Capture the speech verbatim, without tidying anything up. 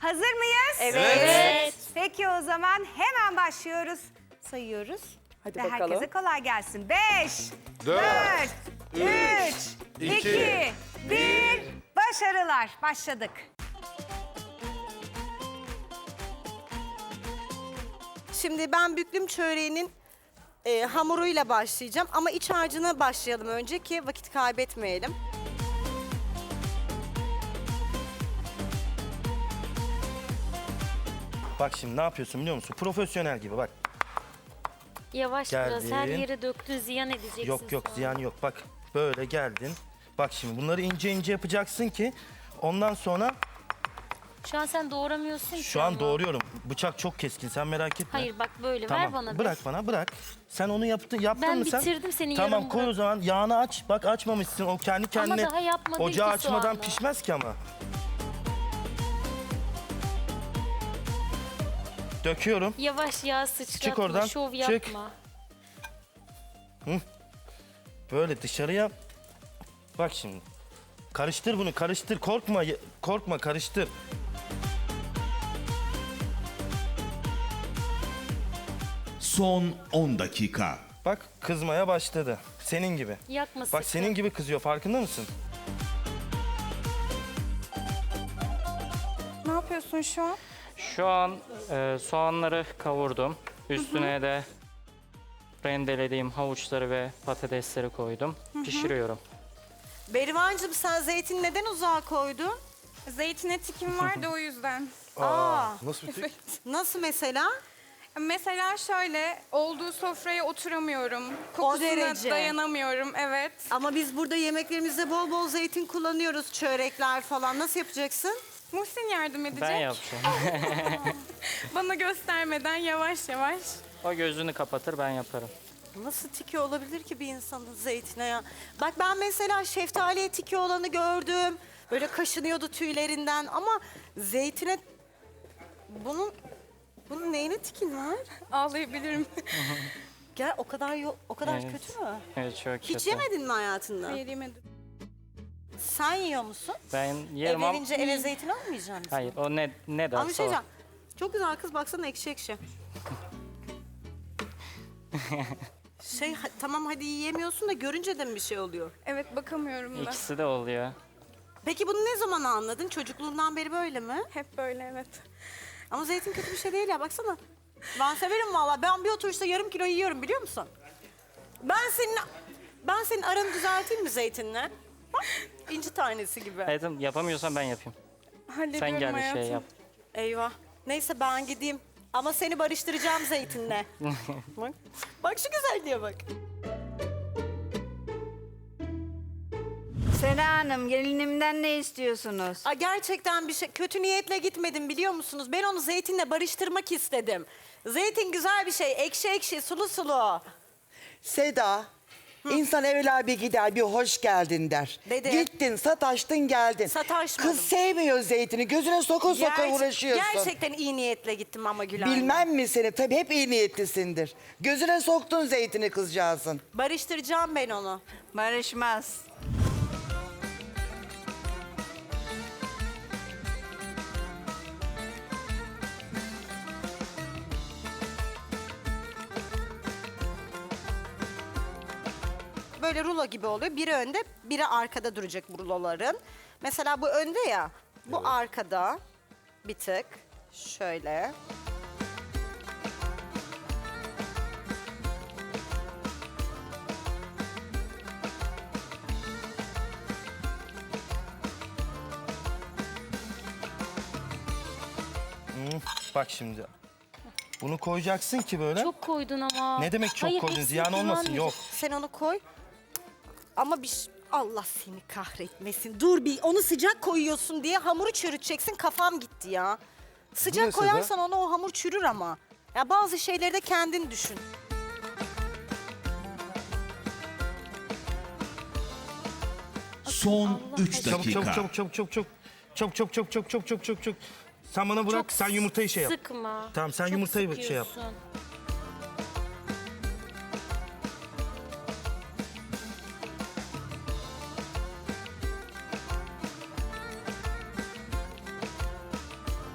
Hazır mıyız? Evet. Evet. Peki o zaman hemen başlıyoruz. Sayıyoruz. Hadi Ve bakalım. herkese kolay gelsin. Beş, Dört, dört, üç, iki, iki, bir. Başarılar. Başladık. Şimdi ben büklüm çöreğinin e, hamuruyla başlayacağım ama iç harcına başlayalım önce ki vakit kaybetmeyelim. Bak şimdi ne yapıyorsun biliyor musun? Profesyonel gibi bak. Yavaş biraz her Geldin. yere döktün, ziyan edeceksin. Yok yok sonra. ziyan yok. Bak böyle geldin. Bak şimdi bunları ince ince yapacaksın ki ondan sonra Şu an sen doğramıyorsun ki şu an ama. doğruyorum. Bıçak çok keskin sen merak etme. Hayır bak böyle Tamam. ver bana. Bırak bir. bana bırak. Sen onu yaptın yaptın Ben mı sen? bitirdim, seni Tamam yarım koy o bırak. zaman yağını aç. Bak açmamışsın o kendi kendine. daha yapmadın Ocağı ki açmadan soğanı. pişmez ki ama. Döküyorum. Yavaş yağ sıçratma, Çık oradan, şov çık. yapma. Böyle dışarıya. Bak şimdi. Karıştır bunu karıştır. Korkma y- korkma karıştır. Son on dakika. Bak kızmaya başladı. Senin gibi. Yakma Bak sakın. senin gibi kızıyor farkında mısın? Ne yapıyorsun şu an? Şu an e, soğanları kavurdum. Üstüne de rendelediğim havuçları ve patatesleri koydum. Pişiriyorum. Berivancığım sen zeytin neden uzağa koydun? Zeytine tikim vardı o yüzden. Aa, Nasıl bir tek? nasıl mesela? Mesela şöyle olduğu sofraya oturamıyorum. Kokusuna derece. dayanamıyorum. Evet. Ama biz burada yemeklerimizde bol bol zeytin kullanıyoruz, çörekler falan. Nasıl yapacaksın? Muhsin yardım edecek. Ben yapacağım. Bana göstermeden yavaş yavaş. O gözünü kapatır ben yaparım. Nasıl tiki olabilir ki bir insanın zeytine ya? Bak ben mesela şeftaliye tiki olanı gördüm. Böyle kaşınıyordu tüylerinden ama zeytine... Bunun... Bunun neyine tikin var? Ağlayabilirim. Gel o kadar yo- o kadar Evet. kötü mü? Evet çok Hiç kötü. yemedin mi hayatında? Hayır yemedim. Sen yiyor musun? Ben Ev yerim ama... verince eve zeytin almayacak mısın? Hayır o ne, ne Ama bir derse şey o. diyeceğim. Çok güzel kız baksana ekşi ekşi. Şey ha- tamam hadi yiyemiyorsun da görünce de mi bir şey oluyor? Evet bakamıyorum da. İkisi de oluyor. Peki bunu ne zaman anladın? Çocukluğundan beri böyle mi? Hep böyle evet. Ama zeytin kötü bir şey değil ya baksana. Ben severim vallahi. Ben bir oturuşta yarım kilo yiyorum biliyor musun? Ben senin ben senin aranı düzelteyim mi zeytinle? Bak, İnci tanesi gibi. Hayatım yapamıyorsan ben yapayım. Hallediyorum Sen gel bir hayatım. şey yap. Eyvah. Neyse ben gideyim. Ama seni barıştıracağım zeytinle. bak. Bak şu güzelliğe bak. Sena Hanım, gelinimden ne istiyorsunuz? Aa, gerçekten bir şey kötü niyetle gitmedim biliyor musunuz? Ben onu zeytinle barıştırmak istedim. Zeytin güzel bir şey. Ekşi ekşi, sulu sulu. Seda, insan evvela bir gider, bir hoş geldin der. Dedi. Gittin, sataştın, geldin. Sataşmadım. Kız sevmiyor zeytini, gözüne soka soka Gerçek- uğraşıyorsun. Gerçekten iyi niyetle gittim ama Gülay. Bilmem mi seni? Tabii hep iyi niyetlisindir. Gözüne soktun zeytini kızcağızın. Barıştıracağım ben onu. Barışmaz. Böyle rulo gibi oluyor. Biri önde, biri arkada duracak bu ruloların. Mesela bu önde ya, bu arkada bir tık. Şöyle. Bak şimdi. Bunu koyacaksın ki böyle. Çok koydun ama. Ne demek çok Hayır, koydun? hepsini Ziyan olmasın. kullanmayacak. Yok. Sen onu koy. Ama bir ş- Allah seni kahretmesin. Dur bir onu sıcak koyuyorsun diye hamuru çürüteceksin. Kafam gitti ya. Sıcak ne Seda? koyarsan onu o hamur çürür ama. Ya bazı şeyleri de kendin düşün. Son üç Çabuk dakika. çabuk çabuk çabuk çabuk çabuk. Çabuk çabuk çabuk çabuk çabuk çabuk çabuk çabuk. Sen bana bırak Çok sen yumurtayı şey yap. Sıkma. Tamam, sen Çok yumurtayı şey yap. sıkıyorsun.